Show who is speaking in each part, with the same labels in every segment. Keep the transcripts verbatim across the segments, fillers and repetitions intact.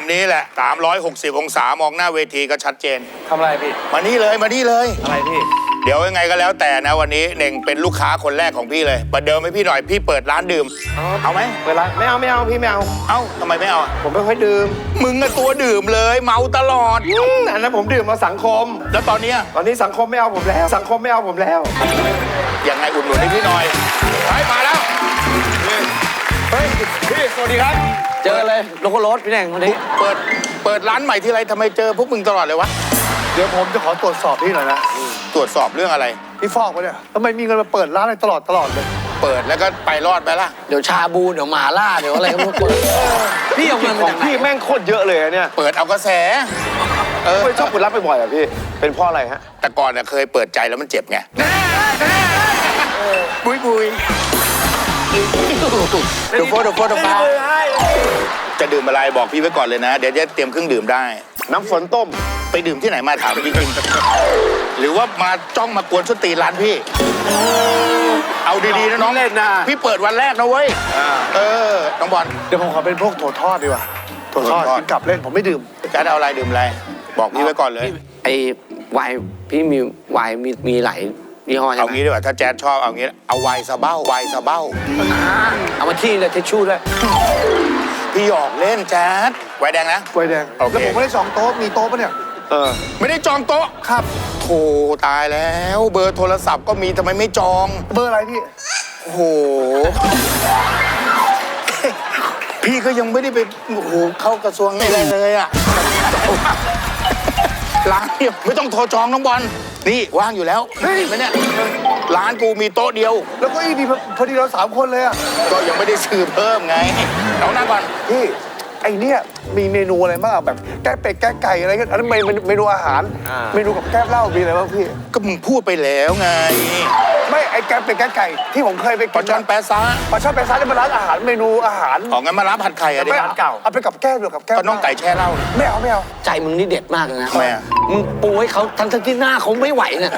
Speaker 1: นี้แหละสามร้อยหกสิบองศามองหน้าเวทีก็ชัดเจน
Speaker 2: ทำอะไรพี่
Speaker 1: มานี่เลยมานี่เลย
Speaker 2: อะไรพี่
Speaker 1: เดี๋ยวยังไงก็แล้วแต่นะวันนี้เน่งเป็นลูกค้าคนแรกของพี่เลยประเดิมให้พี่หน่อยพี่เปิดร้านดื่มเอาไหม
Speaker 2: เปิดร้านไม่เอาไม่เอาพี่ไม่เอา
Speaker 1: เอ้าทำไมไม่เอา
Speaker 2: ผมไม่ค่อยดื่ม
Speaker 1: มึงอะตัวดื่มเลยเมาตลอด
Speaker 2: อันนั้นผมดื่มมาสังคม
Speaker 1: แล้วตอนนี้
Speaker 2: ตอนนี้สังคมไม่เอาผมแล้วสังคมไม่เอาผมแล้ว
Speaker 1: ยังไงอุดหนุนให้พี่หน่อยไปมาแล้ว
Speaker 2: เฮ้ยพี่สวัสดีครับเจอเลยโลโก้รถพี่แดงวันนี้
Speaker 1: เปิดเปิดร้านใหม่ที่ไรทำไมเจอพวกมึงตลอดเลยวะ
Speaker 2: เดี๋ยวผมจะขอตรวจสอบพี่หน่อยนะ
Speaker 1: ตรวจสอบเรื่องอะไร
Speaker 2: พี่ฟอกวะเนี่ยทำไมมีเงินมาเปิดร้านอะไรตลอดตลอดเลย
Speaker 1: เปิดแล้วก็ไปรอดไปละ
Speaker 3: เดี๋ยวชาบูเดี๋ยวหมาล่าเดี๋ยวอะไรก็ไม่รู้เปิดพี่เอาเงินมาจากไหน
Speaker 2: พี่แม่งโคตรเยอะเลยเนี่ย
Speaker 1: เปิดเอากระแส
Speaker 2: เออไม่ชอบคุณรับไปบ่อยอ่ะพี่เป็นเพราะอะไรฮะ
Speaker 1: แต่ก่อนเนี่ยเคยเปิดใจแล้วมันเจ็บไงบุยบุยดูโฟดูโฟดูฟ้าจะดื่มอะไรบอกพี่ไว้ก่อนเลยนะเดี๋ยวจะเตรียมเครื่องดื่มได้
Speaker 2: น้ำฝนต้ม
Speaker 1: ไปดื่มที่ไหนมาถามจริงๆหรือว่ามาจ้องมากวนส้นตีนร้านพี่เอาดีๆนะน้อง
Speaker 2: เล่นนะ
Speaker 1: พี่เปิดวันแรกนะเว้ยเออน้องบอล
Speaker 2: เดี๋ยวผมขอเป็นพวกถั่วทอดดีกว่าถั่วทอดกินกลับเล่นผมไม่ดื่ม
Speaker 1: จะเอาอะไรดื่มอะไรบอกพี่ไว้ก่อนเลย
Speaker 3: ไอ้ไวน์พี่มีไวน์มีมีหลายยี่ห้อใช่ไหม
Speaker 1: เอางี้ดีกว่าถ้าแจ๊ดชอบเอางี้เอาไวน์ซาเบ้าไวน์ซาเบ้า
Speaker 3: เอามาที่เลยทิชชู่ด้วย
Speaker 1: พี่หยอกเล่นแจ๊ดไวน์แดงนะ
Speaker 2: ไวน์แดงแล้วผมไม่ได้จองโต๊ะมีโต๊ะปะเนี่ย
Speaker 1: เออไม่ได้จองโต๊ะครับโธ่ตายแล้วเบอร์โทรศัพท์ก็มีทำไมไม่จอง
Speaker 2: เบอร์อะไรพี่
Speaker 1: โอ้โหพี่ก็ยังไม่ได้ไปโอ้โหเข้ากระทรวงอะไรเลยอ่ะร้านเนี่ยไม่ต้องโทรจองน้องบอลนี่ว่างอยู่แล้วเฮ้ยไหมเนี่ยร้านกูมีโต๊ะเดียว
Speaker 2: แล้วก็อีดีพอดีเราสามคนเลยอ่ะ
Speaker 1: ก็ยังไม่ได้ซื้อเพิ่มไงเรานั่งก่อน
Speaker 2: พี่ไอเนี่ยมีเมนูอะไรบ้างแบบแก้เป็ดแก้ไก่อะไรกันอันนั้นเมนูอาหารเมนูกับแก้เหล้ามีอะไรบ้างพี่
Speaker 1: ก็มึงพูดไปแล้วไง
Speaker 2: ไม่ไอแก้เป็ดแก้ไก่ที่ผมเคยไป
Speaker 1: ปลาช่อนแปะซะ
Speaker 2: ปลาช่อนแปะซะนี่เป็นร้านอาหารเมนูอาหาร
Speaker 1: อ๋องั้นมาร้านผัดไข่อะดิ
Speaker 2: ร้านเก่าเอาไปกับแก้เดียวกับแก้
Speaker 1: ก็น้องไก่แช่เหล้า
Speaker 2: ไม่เอาไม่เอา
Speaker 3: ใจมึงนี่เด็ดมากเลยนะ
Speaker 1: แม่
Speaker 3: มึงปูให้เขาทั้งที่หน้าเขาไม่ไหวเนี่ย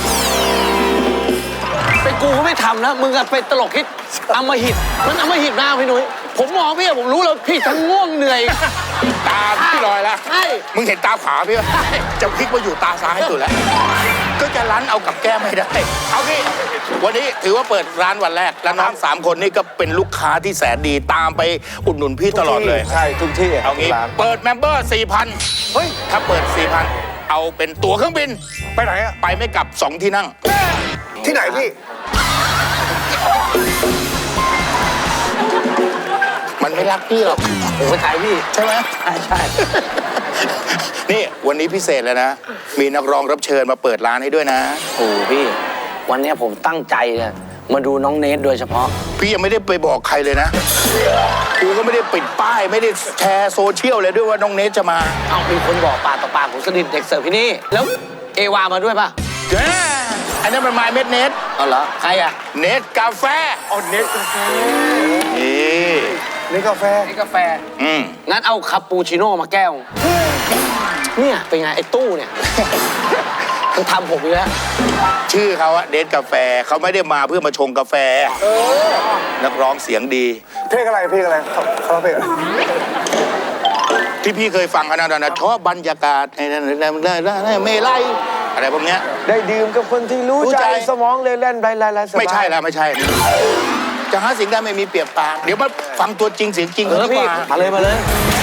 Speaker 3: ไปกูก็ไม่ทำนะมึงอะไปตลกคิดอำมหิตมันอำมหิตหน้าพี่หนุ่ยผมมองพี่ผมรู้แล้วพี่ทั้งง่วงเหนื่อย
Speaker 1: ตาพี่ลอยแล้ว
Speaker 3: ใช่
Speaker 1: มึงเห็นตาขวาพี่จะพลิกมาอยู่ตาซ้ายสุดแล้วก็จะรั้นเอากับแก้ไม่ได้เอาพี่วันนี้ถือว่าเปิดร้านวันแรกแล้วน้องสามคนนี่ก็เป็นลูกค้าที่แสนดีตามไปอุดหนุนพี่ตลอดเลย
Speaker 2: ใช่ทุกที่
Speaker 1: เอางี้เปิดเมมเบอร์สี่พันเฮ้ยถ้าเปิดสี่พันเอาเป็นตั๋วเครื่องบิน
Speaker 2: ไปไหนอะ
Speaker 1: ไปไม่กลับสองที่นั่ง
Speaker 2: ที่ไหนพี่
Speaker 1: มันไม่รักพี่หรอก
Speaker 3: ผมไปถ่ายพี่
Speaker 1: ใช่ไหม
Speaker 3: ใช่ใช่
Speaker 1: นี่วันนี้พิเศษเลยนะมีนักร้องรับเชิญมาเปิดร้านให้ด้วยนะ
Speaker 3: โอ้พี่วันนี้ผมตั้งใจเนี่ยมาดูน้องเนทโดยเฉพาะ
Speaker 1: พี่ยังไม่ได้ไปบอกใครเลยนะกูก็ไม่ได้ปิดป้ายไม่ได้แชร์โซเชียลเลยด้วยว่าน้องเนทจะมา
Speaker 3: เอามีคนบอกปากต่อปากผมสนิทเด็กเสิร์ฟที่นี่แล้วเอวามาด้วยป่ะ
Speaker 1: เจ๊อันนี้เป็นไมล์เม็ดเนท
Speaker 3: เอาเหรอใครอะ
Speaker 1: เนทกาแฟ
Speaker 2: อ๋อเนทกาแฟ
Speaker 1: นี่
Speaker 2: เนทกาแฟ
Speaker 3: เนทกาแฟ
Speaker 1: อืม
Speaker 3: งั้นเอาคาปูชิโน่มาแก้วเนี่ยเป็นไงไอ้ตู้เนี่ยมันทำผมอีกแล้ว
Speaker 1: ชื่อเขาอะเนทกาแฟเขาไม่ได้มาเพื่อมาชงกาแฟนักร้องเสียงดี
Speaker 2: เพลงอะไรเพลงอะไรเขาเขาเพลงอะไร
Speaker 1: ที่พี่เคยฟังเขานะชอบบรรยากาศในเมลัยอะไรพวกเนี้ย
Speaker 2: ได้ดื่มกับคนที่รู้ใจสมองเลยเล่นไรไรไร
Speaker 1: ไม่ใช่แล้วไม่ใช่จะหาสิ่งได้ไม่มีเปรียบปากเดี๋ยวมาฟังตัวจริงเสียงจริงกันดีกว่า
Speaker 3: มาเลยมาเลย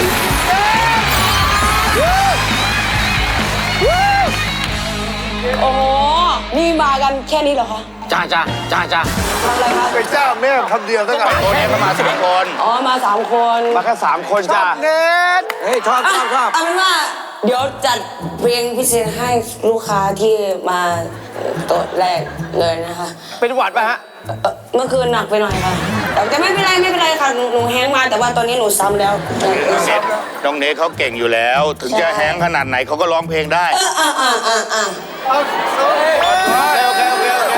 Speaker 4: โอ้โหนี่มากันแค่นี้เหรอคะ
Speaker 3: จ้าจ้าจ้าจ้า
Speaker 4: ทำอะไรคะ
Speaker 2: เป็นเจ้าแม่คำเดียวตั้งแต่
Speaker 1: ตัวนี้เขามาสามคน
Speaker 4: อ๋อมาสามคน
Speaker 2: มาแค่สามคนจ้าเน็ต
Speaker 3: เฮ้ยชอบชอบชอบ
Speaker 4: เอาเป็นว่าเดี๋ยวจัดเพลงพิเศษให้ลูกค้าที่มาโต๊ะแรกเลยนะคะ
Speaker 2: เป็นหวัดป่ะฮะ
Speaker 4: เมื่อคืนหนักไปหน่อยค่ะแต่ไม่เป็นไรไม่เป็นไรค่ะหนูแห้งมาแต่ว่าตอนนี้หนูซ้ำแล้ว
Speaker 1: น้องเนทเขาเก่งอยู่แล้วถึงจะแห้งขนาดไหนเขาก็ร้องเพลงได้
Speaker 4: อ่าอ่าอ่าอ่า
Speaker 2: โอเคโอเคโอเคโอเค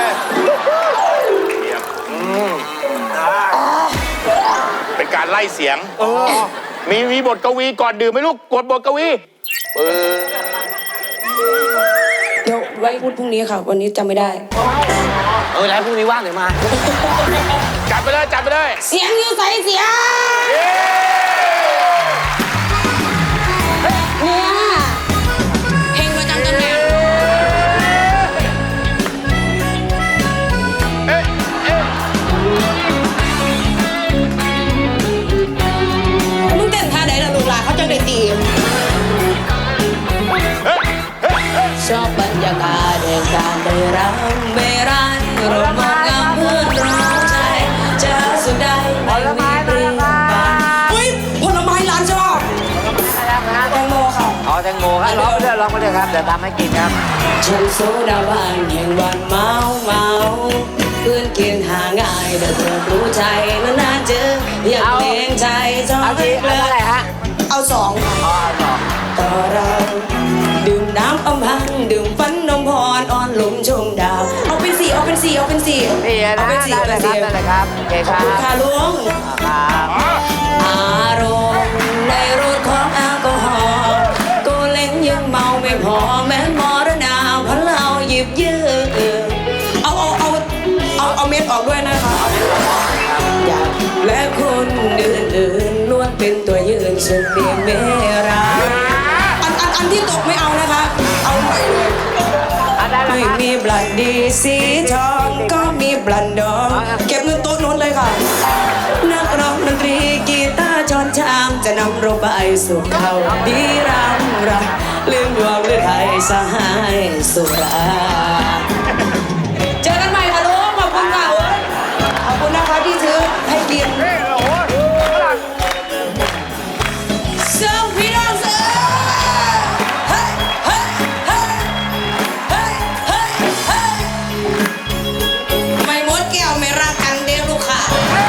Speaker 1: เป็นการไล่เสียงมีมีบทกวีก่อนดื่มไหมลูกกดบทกวี
Speaker 4: เดี๋ยวไว้พูดพรุ่งนี้ค่ะวันนี้จำไม่ได้
Speaker 3: เออแล้วพรุ่งนี้ว่างเดี๋ยวมา
Speaker 1: จัดไปเลยจัดไปเลย
Speaker 4: เสียงอยู่ใส่เสียงยากาศแห่งการได้รับเบรันรวมงามเพื่อนเราใจจะสุดใดไม่มีเปลี่ยนไปเฮ้ยผลไม้ร้านชอบแตงโมค่ะ
Speaker 5: อ๋อแตงโมครับร้องไปด้วยร้องไปด้วยครับเดี๋ยวทำให้กินครับ
Speaker 4: ฉันโซดาบานแห่งวันเมาเมาเพื่อนกินหาง่ายแต่เธอรู้ใจนานๆเจออยากเลี้ยงใจจอ
Speaker 5: เอา
Speaker 4: ม
Speaker 5: ที่
Speaker 4: เล
Speaker 5: เอาเท่าไหร่
Speaker 4: ย
Speaker 5: ฮะ
Speaker 4: เอาสองค่ะ
Speaker 5: อ๋อเอาสอง
Speaker 4: ต่อเราดื่มน้ำอำพังดื่มฟันนมพรอ่อนลมชมดาว เอาเป็นสี่เอาเป็นสี่เอาเป็นสี่
Speaker 5: นี่
Speaker 4: เอา
Speaker 5: นะ
Speaker 4: เป็นสี่
Speaker 5: ได้
Speaker 4: เอา
Speaker 5: เล
Speaker 4: เป็น
Speaker 5: ยครับ
Speaker 4: สี่
Speaker 5: ได้เลยครับโอเคค
Speaker 4: ขอบ
Speaker 5: รับ
Speaker 4: คุณค่ะลุง
Speaker 5: ครับ
Speaker 4: อารมณ์ในรถของแอลกอฮอล์ก็เล่นยังเมาไม่พอแม้มรณาเพราะเราหยิบยืมเอาเอาเอาเอาเอาเม็ดออกด้วยนะคะอยากและคนอื่นๆล้วนเป็นตัวยืนฉันเพียงเมรักอันอันอันที่ตกไม่เอานะคะ เอาใหม่เลย
Speaker 5: อ่ะได้แล้ว
Speaker 4: ไม่
Speaker 5: ครับ
Speaker 4: มีบลันดีสีทองก็มีบลันดองเก็บเงินโต๊ะโน้นเลยค่ะ นักร้องดนตรีกีตาร์จอนชามจะนำเราไปสู่เขาดีรำราลืมดวงหรือไทยสหายสุราเจอกันใหม่ค่ะลุงขอบคุณค่ะโอ๊ยขอบคุณนะคะที่ซื้อให้กินเซิร์ฟพี่น้องเซิร์ฟเฮ้ยเฮ้ยเฮ้ยเฮ้ยเฮ้ยเฮ้ยไม่หมดแก้วไม่รักกันเดียวลูกค้า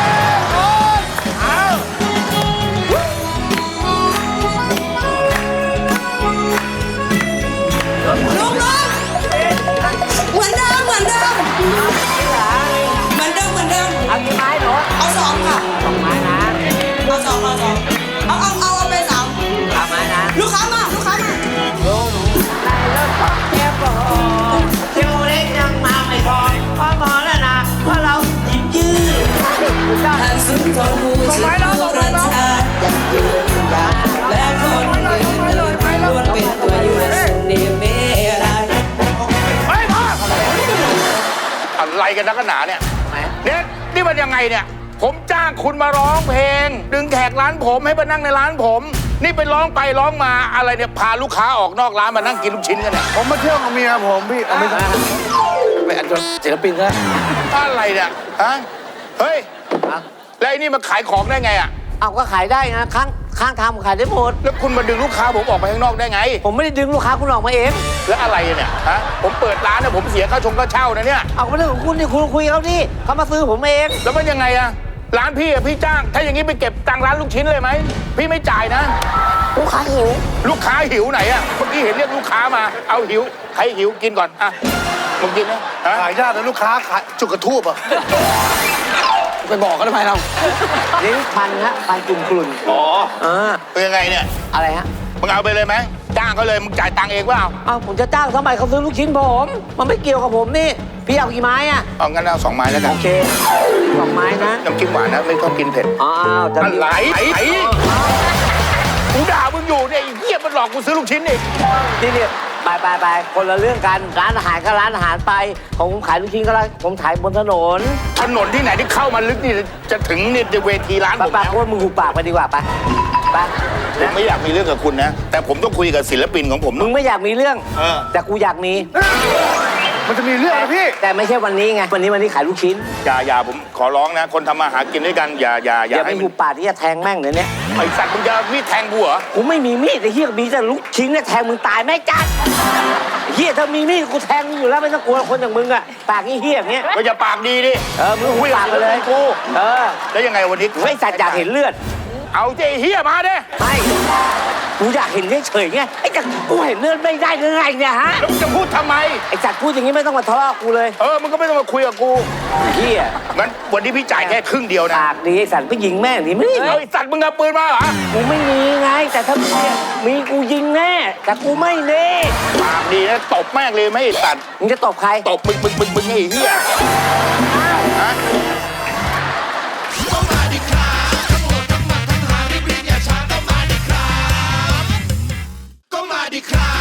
Speaker 4: ลุงลุงเหมือนเดิมเหมือนเดิมเหมือนเดิมเหมือนเดิม
Speaker 5: เอากี่ไม้หนู
Speaker 4: เอาสองค่ะ
Speaker 5: สองไม้นะ
Speaker 4: เอาสองเอาสองเอาเอาเอาเอาไปสาม
Speaker 5: สามไม้นะ
Speaker 4: ลูกค้ามาลูกค้ามา
Speaker 5: ในรถของแกโบเที่ยวเล็กยังมาไม่พอพอหมอแล้วนะเพราะเราหยิบยืด
Speaker 4: ท่านสุนทรภูชิตผู้รัชชาอยากยืนอยากและคนอื่นล้วนเป็นตัวยืนสุนีเมรัย
Speaker 1: เฮ้ยพ่ออะไรกันนักหนาเนี่ยเนี่ยนี่มันยังไงเนี่ย ผมจ้างคุณมาร้องเพลง ดึงแขกร้านผมให้มานั่งในร้านผม นี่ไปร้องไปร้องมาอะไรเนี่ยพาลูกค้าออกนอกร้านมานั่งกินลูกชิ้นกันเนี่ย
Speaker 2: ผมมาเที่ยวกับเมียผมพี่เอาไม่ใช่
Speaker 3: ไปอันจนศิลปินซะ
Speaker 1: อะไรเนี่ยฮะเฮ้ยแล้วไอ้นี่มาขายของได้ไงอ่ะ
Speaker 5: เอาก็ขายได้นะข้างข้างทางขายได้หมด
Speaker 1: แล้วคุณมาดึงลูกค้าผมออกไปข้างนอกได้ไง
Speaker 5: ผมไม่ได้ดึงลูกค้าคุณออกมาเอง
Speaker 1: แล้วอะไรเนี่ยฮะผมเปิดร้านเนี่ยผมเสียค่าชงค่าเช่านะเนี่ย
Speaker 5: เอาก็เรื่องของคุณนี่คุณคุยกับเขาดิเขามาซื้อผมเอง
Speaker 1: แล้วมันยังไงอะร้านพี่อะพี่จ้าง ถ้าอย่างนี้ไปเก็บตังค์ร้านลูกชิ้นเลยไหมพี่ไม่จ่ายนะ
Speaker 4: ลูกค้าหิว
Speaker 1: ลูกค้าหิวไหนอะเมื่อกี้เห็นเรียกลูกค้ามาเอาหิวใครหิวกินก่อนอะมึงกินนะฮะ
Speaker 2: ขายยากแต่ลูกค้าขายจุกกระทูบอ่ะ
Speaker 3: ไปบอกเขาทำไมเรา
Speaker 5: ลิ้นพันฮะพันกลุ่มกลุ่น
Speaker 1: อ๋อ
Speaker 5: อ่า
Speaker 1: เป็นยังไงเนี่ย
Speaker 5: อะไรฮะ
Speaker 1: มึงเอาไปเลยไหมจ้างเขาเลยมึงจ่ายตังค์เองเปล่า
Speaker 5: เอาผมจะจ้างทำไมเขาซื้อลูกชิ้นผม มันไม่เกี่ยวกับผมนี่ พี่เอากี่ไม้อะ
Speaker 1: เอางั้นเอาสองไม้แล้วกัน
Speaker 5: โอเคสองไม้นะ
Speaker 1: น้ำจิ้มหวานนะไม่ต้องกินเผ็ด
Speaker 5: อ้าวจะ
Speaker 1: อะไรไอ้ไอ้กูด่ามึงอยู่เนี่ยไอ้เหี้ยมันหลอกกูซื้อลูกชิ้นอีก
Speaker 5: นี่เนี่ยไปไปไปคนละเรื่องกัน ร้านอาหารก็ร้านอาหารไป ของผมขายลูกชิ้นก็ร้านผมขายบนถนน
Speaker 1: ถนนที่ไหนที่เข้ามาลึกนี่จะถึงนี่เวทีร้าน
Speaker 5: ไป
Speaker 1: ผม
Speaker 5: ไป
Speaker 1: แล้ว
Speaker 5: โคนมึงหูปากไปดีกว่าไปไป
Speaker 1: ผมไม่อยากมีเรื่องกับคุณนะ แต่ผมต้องคุยกับศิลปินของผม
Speaker 5: มึงไม่อยากมีเรื่อง
Speaker 1: เออ
Speaker 5: แต่กูอยากมี
Speaker 2: มันจะมีเรื่องนะพี่
Speaker 5: แต่ไม่ใช่วันนี้ไง วันนี้วันนี้ขายลูกชิ้น
Speaker 1: อย่าอย่าผมขอร้องนะ คนทำมาหากินด้วยกันอย่าอย่าอย่า
Speaker 5: อย่าไป
Speaker 1: ให้
Speaker 5: หูปากที่จะแทงแม่งเลยเนี่ย
Speaker 1: ไอสัตว์มึงจะมีดแทงกูเหรอ
Speaker 5: กูไม่มีมีดไอ้เหี้ยมีแต่ลูกชิ้นเนี่ยแทงมึงตายแม่จัดไอ้เหี้ยถ้ามีมีดกูแทงมึงอยู่แล้วไม่ต้องกลัวคนอย่างมึงอะปากเหี้ยอย่างเงี้ย
Speaker 1: ก็อย่าปากดีดิ
Speaker 5: เออมึงหูปากไปเลย
Speaker 1: กู
Speaker 5: เออ
Speaker 1: แล้วยังไงวันนี้
Speaker 5: ไอ้สัตว์อยากเห็นเลือด
Speaker 1: เอาเจเฮียมาเด้
Speaker 5: ไม่กูอยากเห็นเฉยๆไงไอ้จัดกูเห็นเลือดไม่ได้ยังไงเนี่ยฮะ
Speaker 1: แล้วมึงจะพูดทำไม
Speaker 5: ไอ้จัดพูดอย่างนี้ไม่ต้องมาทะเลาะกูเลย
Speaker 1: เออมึงก็ไม่ต้องมาคุยกับกู
Speaker 5: ไอ้เหี้ย
Speaker 1: งั้นวันนี้พี่จ่ายแค่ครึ่งเดียวนะ
Speaker 5: ปากดีไอ้สัตว์ก็ยิงแม่งนี่ไม่ได้
Speaker 1: เฮ้ยสัตว์มึงเอาปืนมาเหรอ
Speaker 5: กูไม่มีไง แต่ถ้ามีมีกูยิงแน่แต่กูไม่เน่
Speaker 1: ปากดีนะตบแม่งเลยไม่ให้สัตว์
Speaker 5: มึงจะตบใคร
Speaker 1: ตบมึงมึงมึงมึงไอ้เฮียฮะ
Speaker 6: ก็มาดิครับทั้งหมดทั้งหมัดทั้งหารีบๆอย่าช้าก็มาดิครับ ก็มาดิครับ